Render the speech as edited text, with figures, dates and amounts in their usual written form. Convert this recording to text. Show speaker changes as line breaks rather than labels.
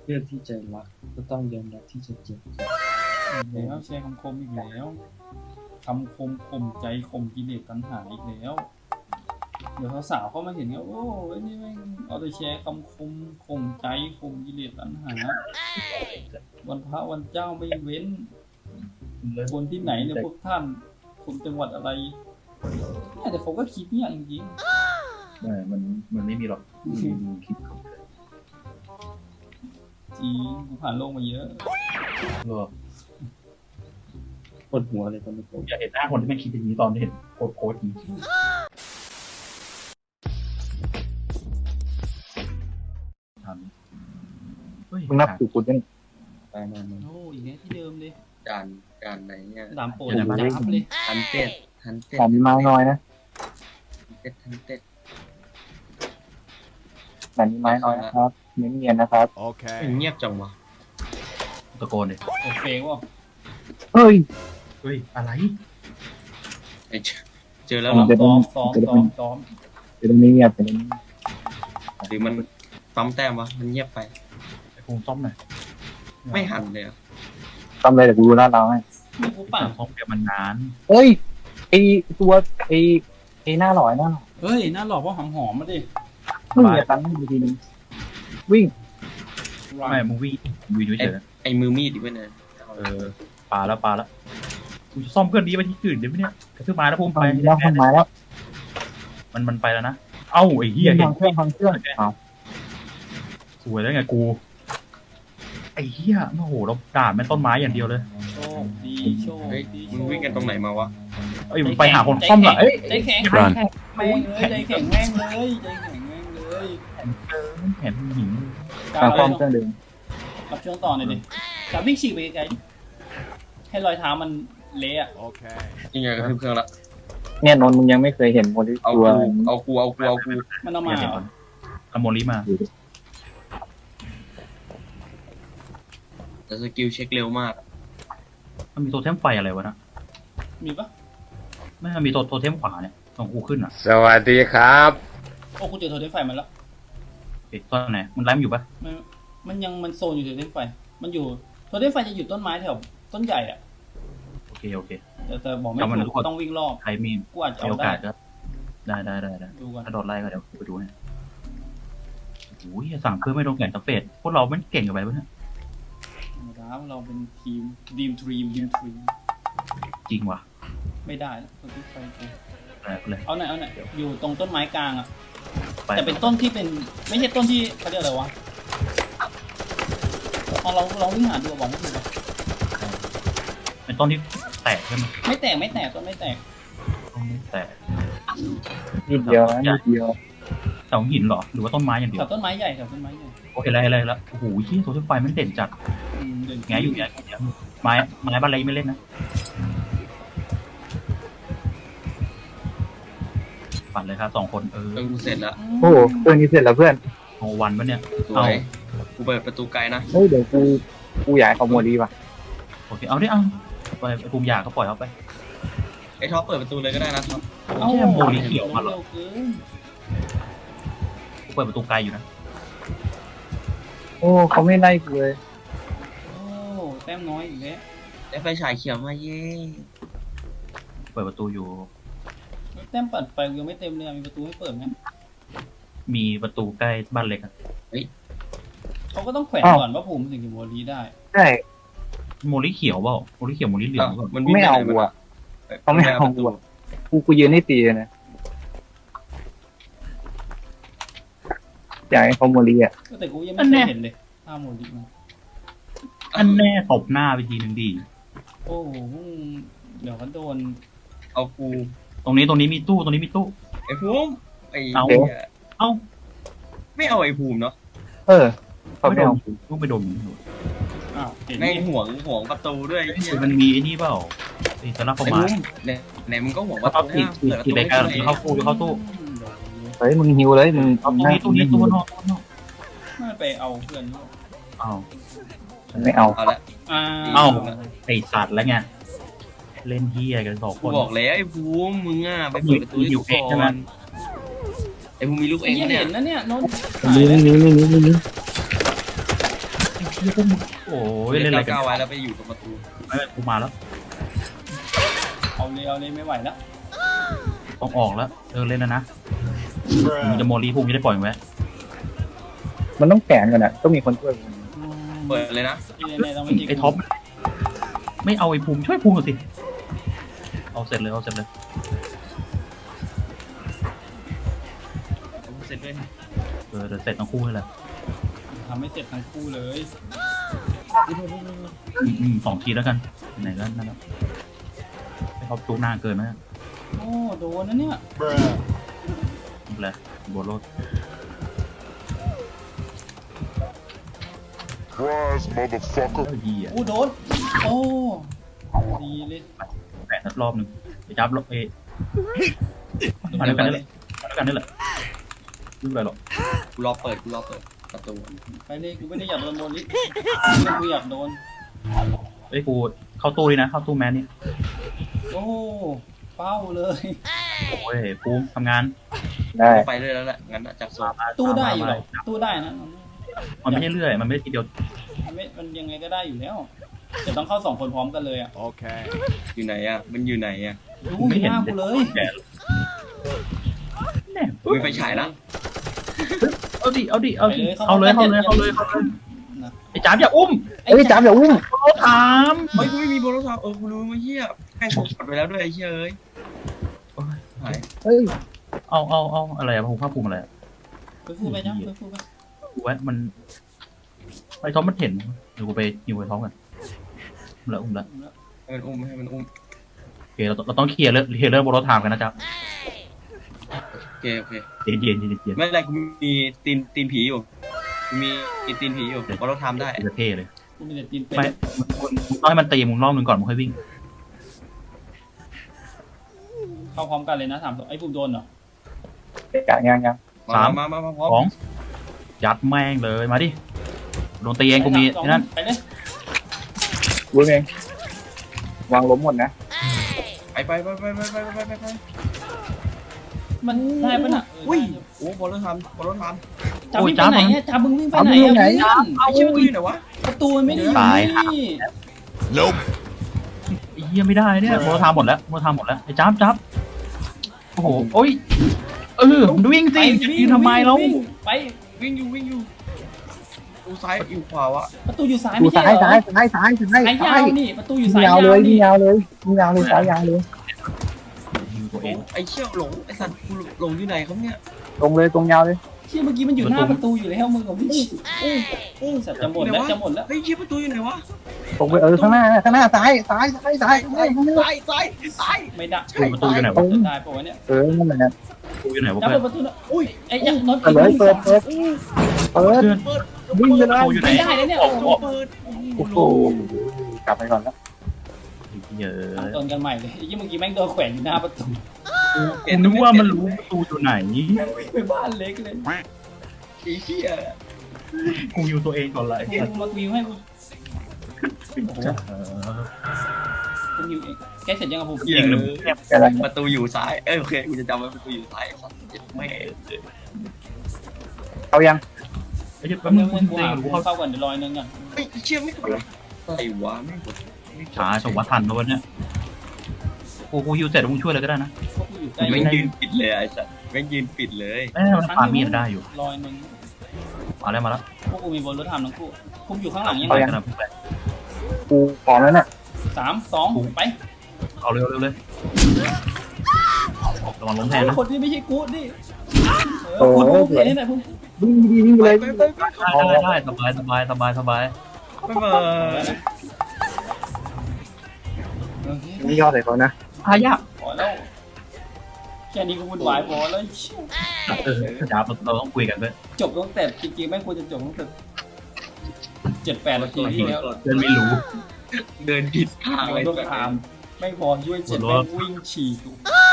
เลือกที่จะรักก็ต้องยอมรับที่จะเจ็บ
แล้วแชร์คำคมอีกแล้วคำคมข่มใจข่มกิเลสตัณหาอีกแล้วเดี๋ยวสาวๆเข้ามาเห็นก็โอ้ยนี่แม่งเอาแต่แชร์คำคมข่มใจข่มกิเลสตัณหาวันพระวันเจ้าไม่เว้นคนที่ไหนเนี่ยพวกท่านคนจังหวัดอะไรเนี่ยแต่เขาก็คิดเนี่ยจริง
ไม่มันไม่มีหรอกดูคิดของเธอ
จริงกูผ่านโลกมาเยอะ
ก็
ปวดหัวเลยตอนนี้ผม
อยากเห็นหน้าคนที่ไม่คิดอย่างนี้ตอนที่เห็นโค้ดนี้ทำ
มึงนับถูกคุณยัง
ตายนานเลย
โอ้อีกแล้วที่เดิมเลย
การไหนเนี่ย
ดามโปรดจับเลย
ทันเต็ด
ขอมีไม้น้อยนะ
ทันเต็ด
แต่มีไม้น้อยนะครับเนียนๆนะครับ
เงียบจังวะ
ตะโกนเลย
โอเฟกว่ะ
เฮ้ย
เฮ้ยอะไร
ไอ้เจอแล้วเหรอ
ซ้อมซ้อม
เดี๋ยวตรงนี้เงียบแต่ตรงนี้
หรือมันซ้ำแต้มวะมันเงียบไป
ไอ้ภูมิซ่อมหน่อย
ไม่หันเลยอะ
ทำอะไรแต่กูรู้หน้าเราให้
นี่กูปั่น
ซ่อมเดี๋ยวมันนาน
เฮ้ยไอตัวไอหน้าหลอยหน้าหลอย
เฮ้ยน่าหลอกว่าหอมมาดิ
มึงอย่าตั้งให้ดูทีนึงวิ่ง
ไม่มึงวิ่งเฉย
ไอ้มือมีดอีกเว้ยเนี่ย
ปลาแล้วกูจะซ่อมเพื่อนดีไปที่อื่นเดี๋ยวเนี่ยกระทืบมาแล้วภูมิ
ไป
ไป
แล้วคนมาแล้ว
มันไปแล้วนะเอ้าไอ้เหี้ยเห็
พั
น
งเครื่องเอา
สวยแล้วไงกูไอ้เหี้ยโอ้โหเราด่าแม่ต้นไม้อย่างเดียวเลย
โชคดีโชค
เฮ้ย
ดี
มึงวิ่งกันตรงไหนมาวะ
เอ้ยมึงไปหาคนซ่อมเหรอเอ้ย
ใจแข็งแม่งเลยใจแข็งแม่งเลยใจแข็งแม่งเลย
เห็นหิน
ทางความเครื่องเดิม
รับช่วงต่อหน่อยดิจับวิ่งฉีกไปไกลๆให้รอยเท้ามันเละอะ
ยังไงกระทืบเครื่องละ
เนี่ยนนท์มึงยังไม่เคยเห็นคนที่
เอา
ตัว
กู
มันเอามา
เดี๋ยวก่อนขโมยลิมา
แต่สกิลเช็คเร็วมาก
มันมีโทเทมไฟอะไรวะนะ
มีปะ
ไม่มันมีโทเทมขวาเนี่ยตรงกูขึ้นอ่ะ
สวัสดีครับ
โอ้กูเจอโทรเทมไฟมันแล้ว
เอ๊ะตอนไหนมันไล่มันอยู่ปะ
มันโซนอยู่โทรเทมไฟมันอยู่โทรเทมไฟจะอยู่ต้นไม้แถวต้นใหญ่อะ
โอเค
แต่บอกไม่
จำมัน
ถู
ทุ
ก
กคน
ต้องวิ่งรอบ
ใครมี
กูอาจจะ
มี
เอา
โอกา
ได้
สก็ได้
ดูกัน
ถ้าโดนไล่ก็เดี๋ยวไปดูให้โอ้ยสั่งเพื่อไม่โดนแก่นสเปดพวกเราไม่เก่งกันไปปะเนี่ย
นะครับเราเป็นทีมดีมทรีม
จริงว่ะ
ไม่ได้แล้วโทรเทมไฟกู
เลย
เอาหน่อยอยู่ตรงต้นไม้กลางอะ
ไป
แต่เป็นต้นที่เป็นไม่ใช่ต้นที่เขาเรียกอะไรวะเราวิ่งหาดูบอกไม่ถูกอะ
เป็นต้นที่แตกใช่ไหม
ไม่แตกต้นไม่แตก
ต้นที่แตก
นิดเดียวนะนิดเดียว
เสาหินเหรอหรือว่าต้นไม้อย่างเดีย
แถ
ว
วต้นไม้ใหญ่
โอเคแล้วโอ้โหที่โทเทมไฟมันเด่นจัด
เดิน
แงอยู่ไม้บ้านเล็กไม่เล่นนะปั่นเลยครับ2 คน
เครื่องกูเสร็จแล้ว
โอ้โหเครื่องนี้เสร็จแล้วเพื่อน
โอวันปะเนี่ย
สวยกูเปิดประตูไกลนะ
เฮ้ยเดี๋ยวกูอยากให้เขาโมดีป่ะ
โอเคเอาดิเอาไปภูมิยาก็ปล่อยเขาไป
ไอ้ท็อปเปิดประตูเลยก็ได้นะท็อป
เอ้า
แค่โมลิเขียวมาเหรอ
เร็วเกิน
เปิดประตูไกลอยู่นะ
โอ้เขาไม่ไล่กูเลย
โอ้แต้มน้อยอีกแล้ว
ได้ไฟฉายเขียวมาเย้
เปิดประตูอยู่
แต้มปัดไฟยังไม่เต็มเลยมีประตูให้เปิดไหม
มีประตูใกล้บ้านเล็กอะ
เขาก็ต้องแขวนก่อนว่าผมถึงจะโมลีได้
ใช่
โมลิเขียวเปล่าโมลิเขียวโมลิเหลืองเปล่า
มันวิ่ง
ไม่
ไป
เอา
ไหน
กู
มัน
อ่ะเขาไม่เอากูอ่ะกูยืนให้ตีเลยนะอยากให้เขาโมดีอ่ะ
แต่กูยังไม่เคยเห็นเลยถ้าโมลีมัน
อันแน่ตบหน้าไปทีนึงดี
โอ้โหเดี๋ยวเขาโดน
เอากู
ตรงนี้มีตู้
ไอ้ภูมิไอ้
เอา เอ้า
ไม่เอาไอ้ภูมิเนาะ
เออเขาไม่เอา
ลูกไปโดน
อ้าวเห็น
แม่ง
นี่
ห่วงประตูด้วยไอ้เหี้ย
มันมีไอ้นี่เปล่าไอ้สลับประ
ไอ้
มา
ภูมิไหนมึงก็ห่วงป
เขา
ระ
เข้า
ตู
ตีรายการเข้าตู้
เฮ้ยมึงหิวเลยมึง
เอาตู้นี้ตู้นอก
ไม่ไปเอาเพื่อนเขา
เอา
ไม่เอา
เอาละ
อ้าว
ไอสัตว์แล้วไงเล่นเฮียกัน2 ค
กู
น
บอกแล้วไอ้ภูมิมึงอ่ะไปเปิดประตูให้กูก่อนไอ้ภูมิมีลูก
ไอ้
เอง
เหี้ย
เนี่ย
เห็นนะเนี่ยโน้ต
นี่
หี้ยพวกมึงโอ้ยเล่นอะไรกัน
ก้าวไว้แล้วไปอยู่ตรงประตู
ไม่กูมาแล้ว
เอาเลยไม่ไหวแล้ว
ต้องออกแล้วเล่นแล้วนะมึงจะโมลีพวกมึงจะได้ปล่อยมึงไว้
มันต้องแข่งกันอ่ะต้องมีคนช่วย
เปิดเลยนะ
ที่แน่ๆต้องไม่ใช่
ไอ้ท็อปไม่เอาไอ้ภูมิช่วยภูมิหน่อยสิเอาเสร็จเลย
ผมเสร็จด้วยนะ
เดี๋ยวเสร็จทั้งคู่ให้เลย
ทำให้เสร็จทั้งคู่เลย
2 ทีแล้วกันไหนก็นั่นแล้วไอ้ท็อปจูหน้าเกินไหม
โอ้โดนนะเนี่ย
นี่แหละบัวโรด
Surprise, motherfucker.
ดีอ่ะ
โดนโอ้ดีเลย
แปะสักรอบหนึ่งไปจับรถมาด้วยกันนี่แหละนี่แหละยุ่งอะไรหรอก
กูรอเปิดประตู
ไปเลยกูไม่ได้อยากโดนโมลิกูอยากโดน
ไอ้กูเข้าตู้เลยนะเข้าตู้แมนนี่
โอ้เป้าเลย
โอ้ยภูมิทำงาน
ได้
ไปเรื่อยแล้วแหละงั้นอะจากโซน
ตู้ได้อยู่หรอตู้ได้นะ
มันไม่ใช่เรื่อยมันไม่ได้ทีเดียว
มันยังไงก็ได้อยู่แล้วแต่ต้องเข้า2 คนพร้อมกันเลยอ่ะ
Okay.
อยู่ไหนอะมันอยู่ไหนอะ
ดูไม่หน้ากูเลย
แก่แน่
มีไฟฉายนะ
เอาดิเอาเลยไอ้จ๋าอย่าอุ้ม
เอ้ยจามอย่าอุ้ม
เขาถาม
เฮ้ยกูไม่มีโบนัสทาวกูรู้มาเฮียแม่งกดไปแล้วด้วยไอ้เฮียเอ้ยหาย
เฮ้ย
เอาอะไรอะภูมิภาคภูมิอะไร
ไปพูดไปจ้ะไปพูดไป
กูว่ามันไอ้ท็อปมันเห็นเดี๋ยวกูไปยิวไอ้ท็อปกันอุ้มละ
ให้มันอุ้ม
โอเคเราต้องเคลียร์เรื่องโบรถถามกันนะจ๊ะ
โอเค
เย็น
ไม่เป็นไรกูมีตีนผีอยู่กูมีตีนผีอยู่เพราะเราทำได้
จะเท่เลย
กูมีแต่ตีนเป็ด
ไม่มึงต้องให้มันตีมึงรอบนึงก่อนมึงค่อยวิ่ง
เข้าพร้อมกันเลยนะ3 ไอ้ปุ่มโดนเหรอ
ยัง
มาพร้อม
2ยัดแม่งเลยมาดิโดนตีเองกูมีนั่น
ไปเลย
รู้เองวางล้มหมดนะ
ไป
มันได้ปะน่ะ
อุ้ยโอ้บอลรถทำ
จับวิ่งไปไหนอ่ะจับมึงวิ่งไปไหนอ่ะเพื่อน
ไอ้เชี่ยมันอยู่ไหนวะ
ประตูมันไม่ได้อยู่นี่
Nope.
ไอ้เหี้ยไม่ได้เนี่ยโบรถถามหมดแล้วไอ้จับโอ้โหโอ้ยมึงวิ่งสิยืนทำไมเรา
ไป
วิ่งอยู่ดูซ้ายอยู่ขวาวะ
ประตูอยู่ซ้าย
ดู
ไม่ใช่
ซ้าย
เหรอ
ซ้าย
สายยาวนี่ประตูอยู่สาย
ยาวย
าว
เลย
นี่
ยาวเลยสายยาวเลย
ตัวเอง
ไอ้เชี่ยหลงไอ้สัตว์กูหลงอยู่ไหนครับเนี่ย
ตรงเลยตรงยาวเลย
ที่เมื่อกี้มันอยู่หน้าประตูอยู่แล้วมึงกับพี่สัตว์จะหมดแล้ว
เฮ้ยเชี่ยประตูอยู่ไหนวะ
ตรงไปข้างหน้าซ้าย
ไม่ได้
ประตูอยู่ไหนวะ
ได้ปะวะเนี่ย
นั่นแหละ
ประตูอยู่ไหนวะ
จับ
เพื่อน
ประตูนะอุ้ยไอ้ยักษ์น็อต
เปิดวิ่งไปเลย
ไม่ได้เลยเนี่ย
เปิด
โอ้โหกลับไปก่อนแล้ว
เยอะ
ต้นกันใหม่เลยไอ้ยี่เมื่อกี้แม่งโดนแขวนอยู่หน้าประตู
กูนึกว่ามันรู้ประตูอยู่ไหน
ไปบ้านเล็กเลย
ไอ้เชี่ย
กูอยู่ตัวเองก่อนเลย
กูมาวิวให้กูกูวิวเองแกเสร็จยังกับผม
ยิงเลย
อะไร
ประตูอยู่ซ้ายโอเคกูจะจำไว้ประตูอยู่ซ้ายครับไม่
เอายัง
ไอ้เจ้า
แป๊
แป๊
บบ นึ
นึ
ง
ง
กู
กู
หา
รู้
กู
เขา
เข้าก่อนเดี๋ยวรอยนึงก่อน
ไอ้เชี่ยไม่กดอะไรวะไม่กด
ช้าสวัสดิ์ทันนะวันเนี้ยกูฮิวเสร็จมึงช่วยเลยก็ได้นะ
พวกกูอยู่ใกล้
แม่งยืนปิดเลยไอ้สัตว์แม่งยืนปิดเลย
เอ้ยมันปามีดได้อยู่
รอยนึง
มาแล้ว
พวกกูมีบนรถทำทั้งคู่คุมอยู่ข้างหลังยัง
ไป
ไง
กันนะไป
กูพร้อมแล้วน่ะ
3 2ไป
เอาเร็วเลยระวังล้มแทนนะ
คนที่ไม่ใช่กูดิกูเห็นนี่แหละพวก
วิ่งเลย
ไป
ได้สบาย
ไป
ไม่ยอดเลยเขานะ
พายาก
พอแล้วแค่นี้ก็วุ่นวายพอแล้ว
จ้าเราต้องคุยกันด้วย
จบตั้งแต่จริงๆแม่งควรจะจบตั้งแต่7-8 นาทีที่แล้ว
เพื่อนไม่รู้
เดินผิดทางเลย
ต้องถามไม่พอช่วย7แม่งวิ่งฉีก